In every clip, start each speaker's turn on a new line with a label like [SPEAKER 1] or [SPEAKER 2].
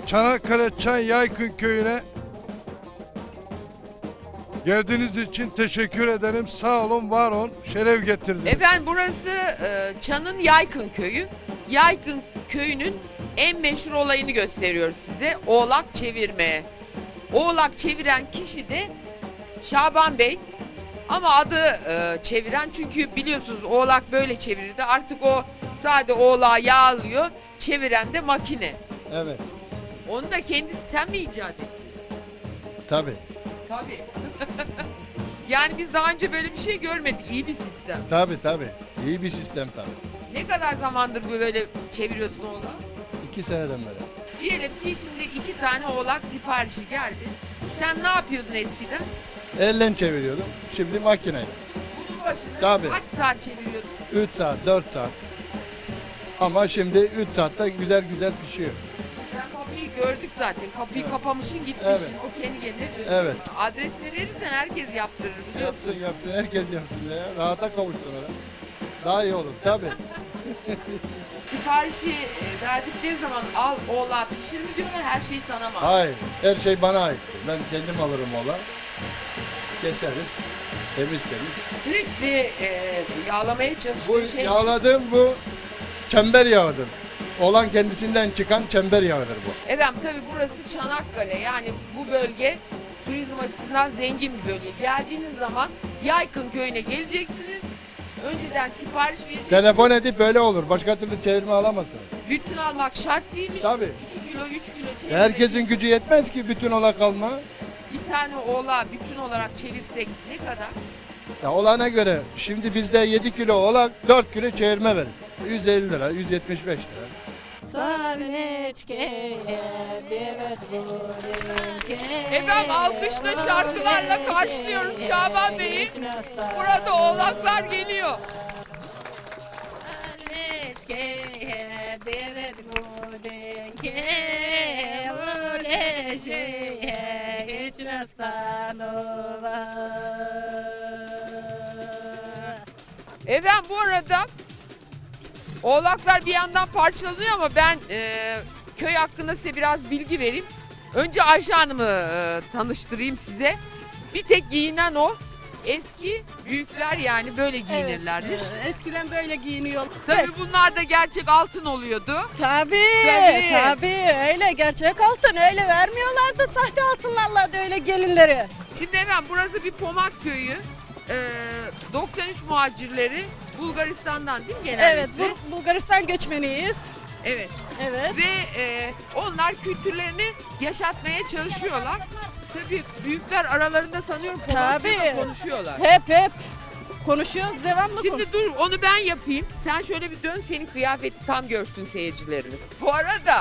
[SPEAKER 1] Çanakkale Çay Yaykın Köyü'ne geldiğiniz için teşekkür ederim. Sağ olun, var olun. Şeref getirdiniz.
[SPEAKER 2] Efendim burası Çan'ın Yaykın Köyü. Yaykın Köyü'nün en meşhur olayını gösteriyoruz size. Oğlak çevirme. Oğlak çeviren kişi de Şaban Bey. Ama adı çeviren, çünkü biliyorsunuz oğlak böyle çevirirdi. Artık o sade oğlağı yağlıyor. Çeviren de makine.
[SPEAKER 3] Evet,
[SPEAKER 2] Onu da kendisi sen mi icat ettin?
[SPEAKER 3] tabii,
[SPEAKER 2] Tabii. Yani biz daha önce böyle bir şey görmedik. İyi bir sistem.
[SPEAKER 3] tabii. İyi bir sistem tabii.
[SPEAKER 2] Ne kadar zamandır bu böyle çeviriyorsun oğlağı?
[SPEAKER 3] 2 seneden beri.
[SPEAKER 2] Diyelim ki şimdi 2 tane oğlak siparişi geldi. Sen ne yapıyordun eskiden?
[SPEAKER 3] Elle çeviriyordum, şimdi makineyle.
[SPEAKER 2] Bunun başına
[SPEAKER 3] Tabii.
[SPEAKER 2] kaç saat çeviriyordun?
[SPEAKER 3] 3 saat, 4 saat. Ama şimdi 3 saatte güzel güzel pişiyor.
[SPEAKER 2] Sen kapıyı gördük zaten. Kapıyı
[SPEAKER 3] Evet.
[SPEAKER 2] kapamışsın, gitmişsin.
[SPEAKER 3] Evet.
[SPEAKER 2] O kendi kendine dönüyor.
[SPEAKER 3] Evet.
[SPEAKER 2] Adresini verirsen herkes yaptırır, biliyorsun.
[SPEAKER 3] Yapsın, herkes yapsın ya. Rahata kavuşsun ona. Daha iyi olur, tabii.
[SPEAKER 2] Siparişi verdikleri zaman al oğlağı pişir mi diyorlar, her şey sana mı?
[SPEAKER 3] Hayır, her şey bana ait. Ben kendim alırım ola. Keseriz, temiz.
[SPEAKER 2] Sürekli yağlamaya
[SPEAKER 3] Bu
[SPEAKER 2] çalıştığı şey.
[SPEAKER 3] yağladığım bu çember yağıdır. Olan kendisinden çıkan çember yağıdır bu.
[SPEAKER 2] Efendim tabii burası Çanakkale, yani bu bölge turizm açısından zengin bir bölge. Geldiğiniz zaman Yaykın Köyü'ne geleceksiniz. Önceden sipariş vereceksiniz.
[SPEAKER 3] Telefon edip böyle olur. Başka türlü çevirme alamazsın.
[SPEAKER 2] Bütün almak şart değilmiş.
[SPEAKER 3] Tabii.
[SPEAKER 2] 2 kilo, 3 kilo çevirmek.
[SPEAKER 3] Herkesin gücü yetmez ki bütün ola kalma.
[SPEAKER 2] Bir tane oğlağı bütün olarak çevirsek ne kadar?
[SPEAKER 3] Ya olana göre şimdi bizde 7 kilo ola 4 kilo çevirme verir. 150 lira, 175 lira.
[SPEAKER 2] Efendim alkışla, şarkılarla karşılıyoruz Şaban Bey'i. Burada oğlaklar geliyor. Efendim bu arada oğlaklar bir yandan parçalanıyor ama ben köy hakkında size biraz bilgi vereyim. Önce Ayşe Hanım'ı tanıştırayım size. Bir tek giyinen o. Eski büyükler yani böyle giyinirlermiş.
[SPEAKER 4] Eskiden böyle giyiniyor.
[SPEAKER 2] Tabii bunlar da gerçek altın oluyordu.
[SPEAKER 4] Tabii öyle gerçek altın öyle vermiyorlardı, sahte altınlarla da öyle gelinleri.
[SPEAKER 2] Şimdi efendim burası bir Pomak köyü. 93 muhacirleri Bulgaristan'dan değil mi genellikle?
[SPEAKER 4] Evet, Bulgaristan göçmeniyiz.
[SPEAKER 2] Evet.
[SPEAKER 4] Evet.
[SPEAKER 2] Ve onlar kültürlerini yaşatmaya çalışıyorlar. Tabii büyükler aralarında sanıyorum Pomakça da
[SPEAKER 4] Tabii.
[SPEAKER 2] konuşuyorlar.
[SPEAKER 4] Hep konuşuyoruz, devamlı
[SPEAKER 2] Şimdi dur onu ben yapayım. Sen şöyle bir dön, senin kıyafeti tam görsün seyircilerimiz. Bu arada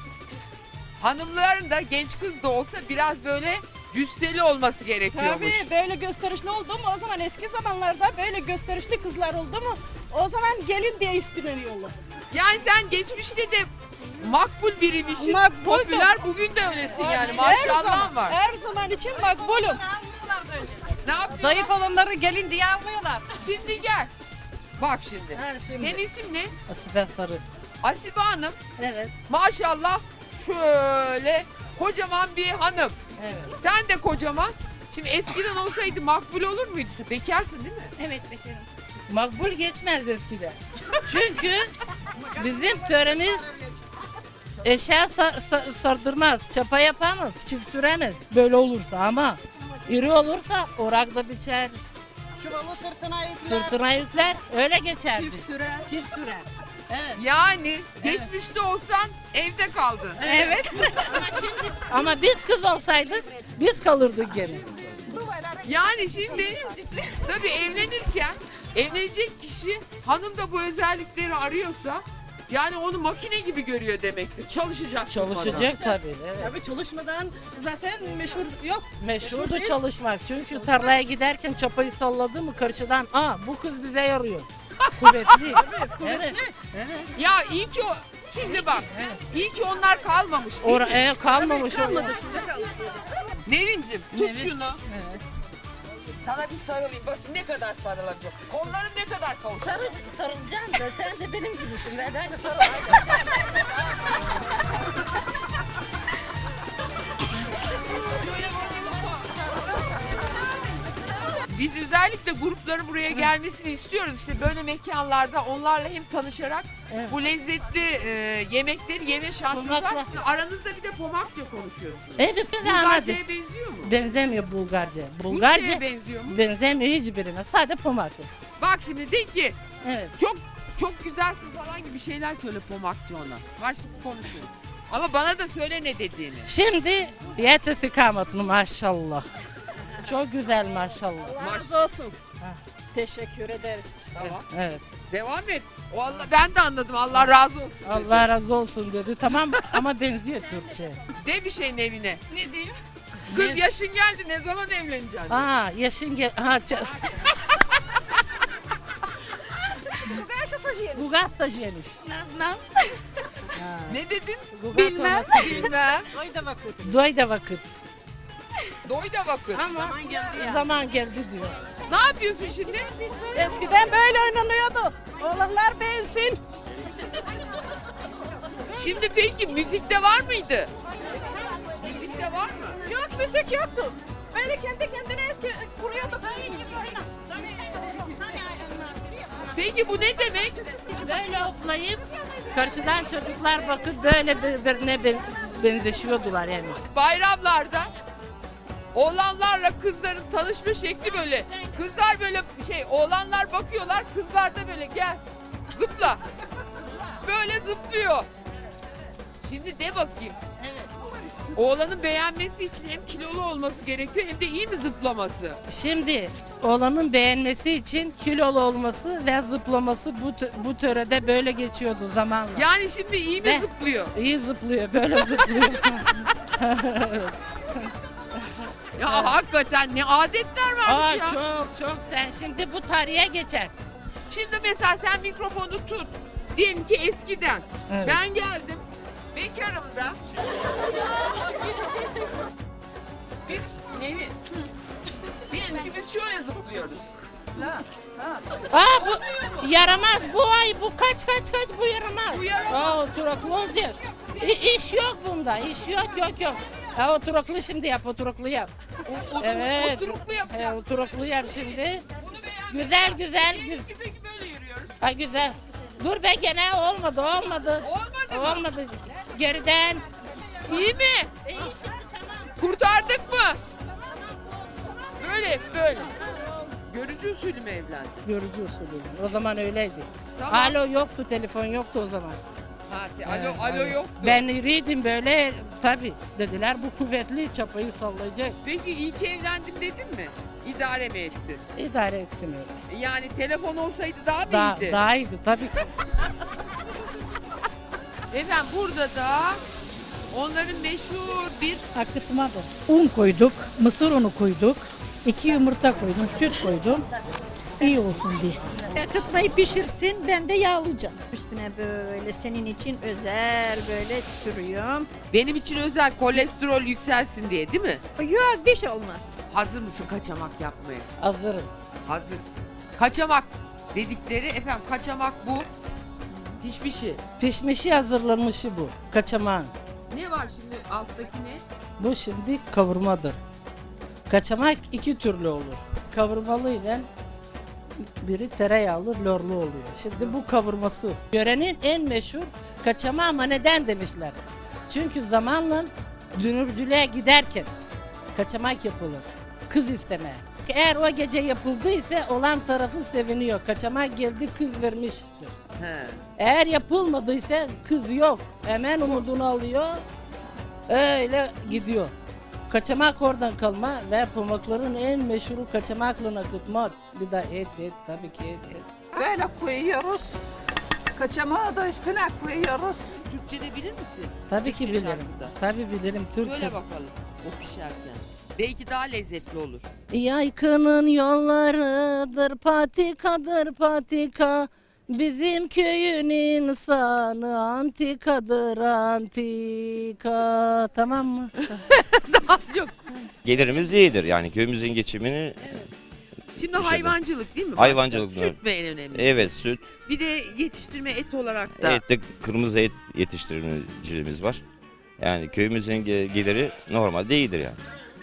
[SPEAKER 2] hanımların da genç kız da olsa biraz böyle cüsseli olması gerekiyormuş.
[SPEAKER 4] Tabii böyle gösterişli oldu mu o zaman, eski zamanlarda böyle gösterişli kızlar oldu mu o zaman gelin diye isteniyorlar.
[SPEAKER 2] Yani sen geçmişte de makbul biriymişsin.
[SPEAKER 4] Makbuldum.
[SPEAKER 2] Popüler, bugün de öylesin yani.
[SPEAKER 4] Her
[SPEAKER 2] Maşallah
[SPEAKER 4] zaman,
[SPEAKER 2] var.
[SPEAKER 4] Her zaman için makbulum.
[SPEAKER 2] Ne yapıyorsun?
[SPEAKER 4] Zayıf olanları gelin diye almıyorlar.
[SPEAKER 2] Şimdi gel. Bak şimdi.
[SPEAKER 4] Şimdi.
[SPEAKER 2] Senin isim ne?
[SPEAKER 4] Asibe Sarı.
[SPEAKER 2] Asibe Hanım.
[SPEAKER 4] Evet.
[SPEAKER 2] Maşallah şöyle kocaman bir hanım.
[SPEAKER 4] Evet.
[SPEAKER 2] Sen de kocaman. Şimdi eskiden olsaydı makbul olur muydu? Bekarsın değil mi?
[SPEAKER 5] Evet bekarım. Makbul geçmez eskiden. Çünkü bizim töremiz eşya sardırmaz, çapa yapamaz, çift süremez. Böyle olursa ama iri olursa orakda biçer,
[SPEAKER 4] Çuvalı
[SPEAKER 5] sırtına yükler, öyle geçer.
[SPEAKER 4] Çift sürer.
[SPEAKER 5] Çift sürer. Evet.
[SPEAKER 2] Yani geçmişte olsan evde kaldın.
[SPEAKER 5] Evet. Ama biz kız olsaydık biz kalırdık gene.
[SPEAKER 2] Yani şimdi tabii evlenirken evlenecek kişi hanım da bu özellikleri arıyorsa yani onu makine gibi görüyor demektir. Çalışacak.
[SPEAKER 5] Çalışacak tabii. Evet.
[SPEAKER 4] Tabii çalışmadan zaten meşhur yok.
[SPEAKER 5] Meşhurdu
[SPEAKER 4] değil.
[SPEAKER 5] çalışmak. Çünkü tarlaya giderken çapayı salladı mı karşıdan bu kız bize yarıyor. Kuvvetli. Evet.
[SPEAKER 2] Ya iyi ki o şimdi bak. İyi ki onlar kalmamış. değil mi?
[SPEAKER 5] Kalmamış
[SPEAKER 4] Kalmadı
[SPEAKER 5] orada.
[SPEAKER 4] şimdi kalmadı.
[SPEAKER 2] Nevin'cim tut
[SPEAKER 5] Nevin.
[SPEAKER 2] şunu.
[SPEAKER 5] Evet.
[SPEAKER 2] Sana bir sarılayım. Bak ne kadar sarılacak. Kollarım ne kadar kavuşacak.
[SPEAKER 5] Sarılacağım da sen de benim gibisin. Ben de sarıl.
[SPEAKER 2] Biz özellikle grupların buraya gelmesini istiyoruz. İşte böyle mekanlarda onlarla hem tanışarak
[SPEAKER 5] Evet.
[SPEAKER 2] bu lezzetli yemekleri yeme şansımız var.
[SPEAKER 5] Pomakla.
[SPEAKER 2] Aranızda bir de pomakça konuşuyorsunuz.
[SPEAKER 5] Evet, anladım.
[SPEAKER 2] Bulgarca'ya benziyor mu?
[SPEAKER 5] Benzemiyor Bulgarca.
[SPEAKER 2] Rusya'ya
[SPEAKER 5] Bulgarca
[SPEAKER 2] benziyor mu?
[SPEAKER 5] benzemiyor hiçbirine. Sadece pomaklı.
[SPEAKER 2] Bak şimdi de ki
[SPEAKER 5] Evet.
[SPEAKER 2] çok güzelsin falan gibi şeyler söyle pomakça ona. Var şimdi konuşuyoruz. Ama bana da söyle ne dediğini.
[SPEAKER 5] Şimdi yet istikametini maşallah. Çok güzel maşallah.
[SPEAKER 4] Razı olsun.
[SPEAKER 5] Ha.
[SPEAKER 4] Teşekkür ederiz.
[SPEAKER 2] Tamam.
[SPEAKER 5] Evet.
[SPEAKER 2] Devam et. O Allah, ben de anladım. Allah razı olsun. dedi.
[SPEAKER 5] Allah razı olsun dedi. Tamam ama benziyor Türkçe.
[SPEAKER 2] De bir şey Nevine.
[SPEAKER 4] Ne diyeyim?
[SPEAKER 2] Kız
[SPEAKER 5] Ne?
[SPEAKER 2] yaşın geldi ne zaman evleneceksin?
[SPEAKER 5] Aa yaşın gel. Ha,
[SPEAKER 4] Beşe saçıyorum.
[SPEAKER 5] Gugat da geniş.
[SPEAKER 4] Nazlan.
[SPEAKER 5] Ha.
[SPEAKER 2] Ne dedin?
[SPEAKER 5] Gugat
[SPEAKER 4] Bilmem.
[SPEAKER 5] olması-
[SPEAKER 2] Bilmem.
[SPEAKER 4] Oy da bakın.
[SPEAKER 5] Doy da vakit.
[SPEAKER 2] Doy da bakın.
[SPEAKER 5] Ama
[SPEAKER 4] Zaman geldi ya.
[SPEAKER 5] zaman geldi diyor.
[SPEAKER 2] Ne yapıyorsun şimdi?
[SPEAKER 4] Eskiden böyle oynanıyordu. Oğlanlar beğensin.
[SPEAKER 2] Şimdi peki müzikte var mıydı? Müzikte var mı?
[SPEAKER 4] Yok müzik yoktu. Böyle kendi kendine kuruyordu.
[SPEAKER 2] Peki bu ne demek?
[SPEAKER 5] Böyle oklayıp karşıdan çocuklar bakıp böyle birbirine benzeşiyordular yani.
[SPEAKER 2] Bayramlarda oğlanlarla kızların tanışma şekli böyle. Kızlar böyle oğlanlar bakıyorlar, kızlar da böyle gel zıpla. Böyle zıplıyor. Şimdi de bakayım.
[SPEAKER 5] Evet.
[SPEAKER 2] Oğlanın beğenmesi için hem kilolu olması gerekiyor hem de iyi mi zıplaması?
[SPEAKER 5] Şimdi oğlanın beğenmesi için kilolu olması ve zıplaması bu törede böyle geçiyordu zamanla.
[SPEAKER 2] Yani şimdi iyi mi
[SPEAKER 5] Ve-
[SPEAKER 2] zıplıyor?
[SPEAKER 5] İyi zıplıyor, böyle zıplıyor.
[SPEAKER 2] Ya hakikaten ne adetler
[SPEAKER 5] Aa,
[SPEAKER 2] varmış ya.
[SPEAKER 5] çok sen şimdi bu tarihe geçer.
[SPEAKER 2] Şimdi mesela sen mikrofonu tut. Diyelim ki eskiden.
[SPEAKER 5] Evet.
[SPEAKER 2] Ben geldim. Bekarım da. Biz Nevin. Diyelim ki biz şöyle zıplıyoruz.
[SPEAKER 5] Aa bu yaramaz bu ay bu kaç bu yaramaz.
[SPEAKER 2] Bu yaramaz.
[SPEAKER 5] Aa oturaklı olacak. İş yok bunda iş yok. Ha oturaklı şimdi yap oturaklı yap. Evet.
[SPEAKER 2] Oturuklu yapacağız.
[SPEAKER 5] Oturaklı yap şimdi.
[SPEAKER 2] Bunu beğendim.
[SPEAKER 5] Güzel.
[SPEAKER 2] Diyelim ki peki böyle yürüyoruz.
[SPEAKER 5] Ha güzel. Dur be gene olmadı.
[SPEAKER 2] Olmadı mı?
[SPEAKER 5] Olmadı. Geriden.
[SPEAKER 2] İyi mi? Kurtardık mı? Böyle. Görücü usulü mü evlendin?
[SPEAKER 5] Görücü usulü. O zaman öyleydi.
[SPEAKER 2] Tamam.
[SPEAKER 5] Alo yoktu, telefon yoktu o zaman.
[SPEAKER 2] Alo
[SPEAKER 5] Evet.
[SPEAKER 2] yoktu.
[SPEAKER 5] Ben iriydim böyle tabi dediler bu kuvvetli çapayı sallayacak.
[SPEAKER 2] Peki iyi ki evlendim dedin mi? İdare mi etti?
[SPEAKER 5] İdare ettim öyle.
[SPEAKER 2] Yani telefon olsaydı daha mı iyiydi?
[SPEAKER 5] Daha iyiydi tabii ki.
[SPEAKER 2] Efendim burada da onların meşhur bir
[SPEAKER 6] Akıtmadır. Un koyduk, mısır unu koyduk, 2 yumurta koydum, süt koydum. İyi olsun diye. Akıtmayı pişirsin, ben de yağlayacağım. Üstüne böyle senin için özel böyle sürüyorum.
[SPEAKER 2] benim için özel kolesterol yükselsin diye değil mi?
[SPEAKER 6] Yok bir şey olmaz.
[SPEAKER 2] Hazır mısın kaçamak yapmaya?
[SPEAKER 5] Hazırım.
[SPEAKER 2] Hazır. Kaçamak dedikleri efendim kaçamak bu. Pişmişi.
[SPEAKER 5] Pişmişi hazırlanmışı bu. Kaçamağın.
[SPEAKER 2] Ne var şimdi alttaki ne?
[SPEAKER 5] Bu şimdi kavurmadır. Kaçamak iki türlü olur. Kavurmalı ile biri tereyağlı lorlu oluyor. Şimdi bu kavurması. Yörenin en meşhur kaçamağı ama neden demişler. Çünkü zamanla dünürcülüğe giderken kaçamak yapılır. Kız istemeye. Eğer o gece yapıldıysa olan tarafı seviniyor. Kaçamak geldi kız vermiştir.
[SPEAKER 2] He.
[SPEAKER 5] Eğer yapılmadıysa kız yok. Hemen umudunu alıyor. Öyle gidiyor. Kaçamak oradan kalma ve pamakların en meşhuru kaçamakla akıtmak. Bir de et tabii ki et.
[SPEAKER 7] Böyle koyuyoruz. Kaçamağı da üstüne koyuyoruz.
[SPEAKER 2] Türkçe de bilir misin?
[SPEAKER 5] Tabii ki
[SPEAKER 2] Türkçe
[SPEAKER 5] bilirim.
[SPEAKER 2] şarkıda.
[SPEAKER 5] Tabii bilirim Türkçe.
[SPEAKER 2] Söyle bakalım o pişerken. Belki daha lezzetli olur.
[SPEAKER 5] Yaykının yollarıdır patikadır patika. Bizim köyün insanı antikadır antika. Tamam mı?
[SPEAKER 2] Daha çok.
[SPEAKER 8] Gelirimiz iyidir yani köyümüzün geçimini
[SPEAKER 2] Şimdi
[SPEAKER 8] İşte
[SPEAKER 2] hayvancılık değil mi?
[SPEAKER 8] hayvancılık
[SPEAKER 2] Süt mü en önemli?
[SPEAKER 8] evet süt,
[SPEAKER 2] Bir de yetiştirme et olarak da.
[SPEAKER 8] et de kırmızı et yetiştiricimiz var. Yani köyümüzün geliri normalde iyidir yani.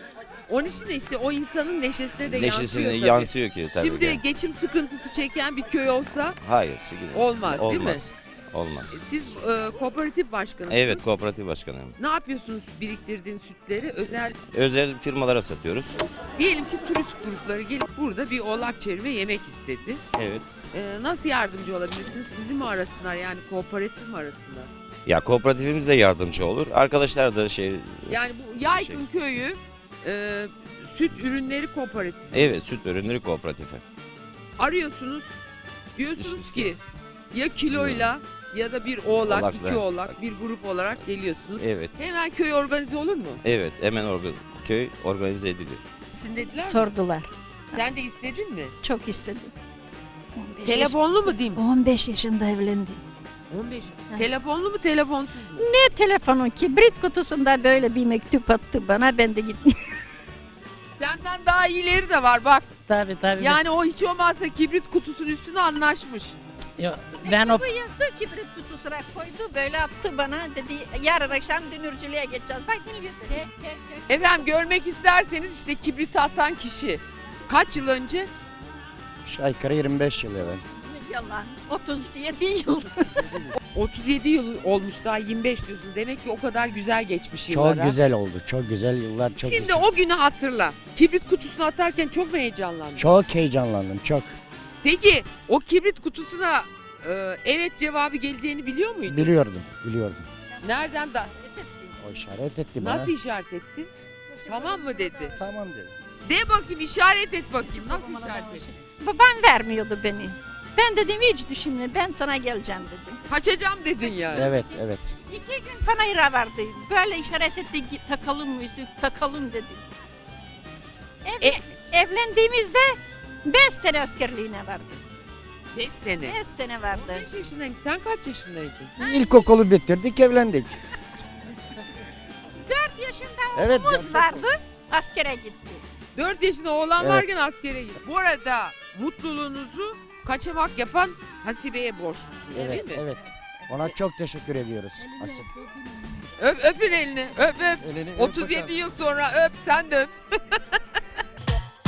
[SPEAKER 2] Onun için de işte o insanın neşesine de
[SPEAKER 8] Neşesine
[SPEAKER 2] yansıyor tabii.
[SPEAKER 8] yansıyor ki tabii
[SPEAKER 2] Şimdi
[SPEAKER 8] ki.
[SPEAKER 2] geçim sıkıntısı çeken bir köy olsa
[SPEAKER 8] Hayır.
[SPEAKER 2] olmaz, değil mi?
[SPEAKER 8] Olmaz. Olmaz.
[SPEAKER 2] Siz kooperatif başkanısınız.
[SPEAKER 8] Evet, kooperatif başkanıyım.
[SPEAKER 2] Ne yapıyorsunuz biriktirdiğin sütleri?
[SPEAKER 8] Özel firmalara satıyoruz.
[SPEAKER 2] Diyelim ki turist grupları gelip burada bir oğlak çevirme yemek istedi.
[SPEAKER 8] Evet.
[SPEAKER 2] Nasıl yardımcı olabilirsiniz? Sizi mi arasınlar, yani kooperatif mi arasınlar?
[SPEAKER 8] Ya kooperatifimiz de yardımcı olur. Arkadaşlar da
[SPEAKER 2] Yani bu Yaygın Köyü süt ürünleri kooperatifi.
[SPEAKER 8] evet, süt ürünleri kooperatifi.
[SPEAKER 2] Arıyorsunuz. Diyorsunuz
[SPEAKER 8] İşte-
[SPEAKER 2] ki ya kiloyla ya da bir oğlak,
[SPEAKER 8] Oğlakla.
[SPEAKER 2] iki oğlak, bir grup olarak geliyorsunuz.
[SPEAKER 8] Evet.
[SPEAKER 2] Hemen köy organize olur mu?
[SPEAKER 8] Evet, hemen köy organize ediliyor.
[SPEAKER 2] Sizin dediler mi?
[SPEAKER 6] Sordular.
[SPEAKER 2] Sen de istedin mi?
[SPEAKER 6] Çok istedim. 15
[SPEAKER 2] Telefonlu mu diyeyim?
[SPEAKER 6] 15 yaşında evlendim.
[SPEAKER 2] 15.
[SPEAKER 6] Evet.
[SPEAKER 2] Telefonlu mu, telefonsuz mu?
[SPEAKER 6] Ne telefonu, kibrit kutusunda böyle bir mektup attı bana, ben de gittim.
[SPEAKER 2] Senden daha iyileri de var bak.
[SPEAKER 5] Tabii tabii.
[SPEAKER 2] Yani o hiç olmazsa kibrit kutusunun üstüne anlaşmış.
[SPEAKER 5] Yok, ben o
[SPEAKER 6] Bu yazdı, kibrit kutusuna koydu, böyle attı bana, dedi yarın akşam dönürcülüğe geçeceğiz. Bak bunu götür.
[SPEAKER 2] Efendim görmek isterseniz işte kibriti atan kişi. Kaç yıl önce?
[SPEAKER 9] Aşağı yukarı 25 yıl evvel.
[SPEAKER 6] Yalan, 37 yıl.
[SPEAKER 2] 37 yıl olmuş, daha 25 diyorsun. Demek ki o kadar güzel geçmiş yıllar.
[SPEAKER 9] Çok
[SPEAKER 2] ha.
[SPEAKER 9] güzel oldu. Çok güzel yıllar. Çok
[SPEAKER 2] Şimdi
[SPEAKER 9] güzel.
[SPEAKER 2] o günü hatırla. Kibrit kutusunu atarken çok mu heyecanlandın?
[SPEAKER 9] Çok heyecanlandım. Çok.
[SPEAKER 2] Peki o kibrit kutusuna evet cevabı geleceğini biliyor muydun?
[SPEAKER 9] Biliyordum. Biliyordum.
[SPEAKER 2] Nereden da
[SPEAKER 9] O işaret etti bana.
[SPEAKER 2] nasıl işaret ettin? Tamam mı dedi.
[SPEAKER 9] Tamam dedi.
[SPEAKER 2] De bakayım, işaret et bakayım. Nasıl işaret ettin?
[SPEAKER 6] Babam vermiyordu beni. Ben dedim hiç düşünme, ben sana geleceğim dedim.
[SPEAKER 2] Kaçacağım dedin yani.
[SPEAKER 9] Evet, evet.
[SPEAKER 6] 2 gün panayıra vardı. Böyle işaret etti, "Git, takalım müzik, takalım dedi. Evlendiğimizde 5 sene askerliğine vardı.
[SPEAKER 2] 5 sene.
[SPEAKER 6] 5 sene vardı.
[SPEAKER 2] 5 yaşındaydın. Sen kaç yaşındaydın?
[SPEAKER 9] İlkokulu bitirdik, evlendik.
[SPEAKER 6] 4 yaşında
[SPEAKER 9] Evet.
[SPEAKER 6] oğlumuz vardı, askere gitti.
[SPEAKER 2] 4 yaşında oğlan
[SPEAKER 9] Evet.
[SPEAKER 2] varken askere gitti. Bu arada mutluluğunuzu kaçamak yapan Hasibe'ye borçlusunuz,
[SPEAKER 9] Evet,
[SPEAKER 2] değil mi?
[SPEAKER 9] evet. Ona çok teşekkür ediyoruz. Asıl.
[SPEAKER 2] Öpün elini, öp.
[SPEAKER 9] Elini öp
[SPEAKER 2] 37
[SPEAKER 9] bakalım.
[SPEAKER 2] yıl sonra öp, sen de öp.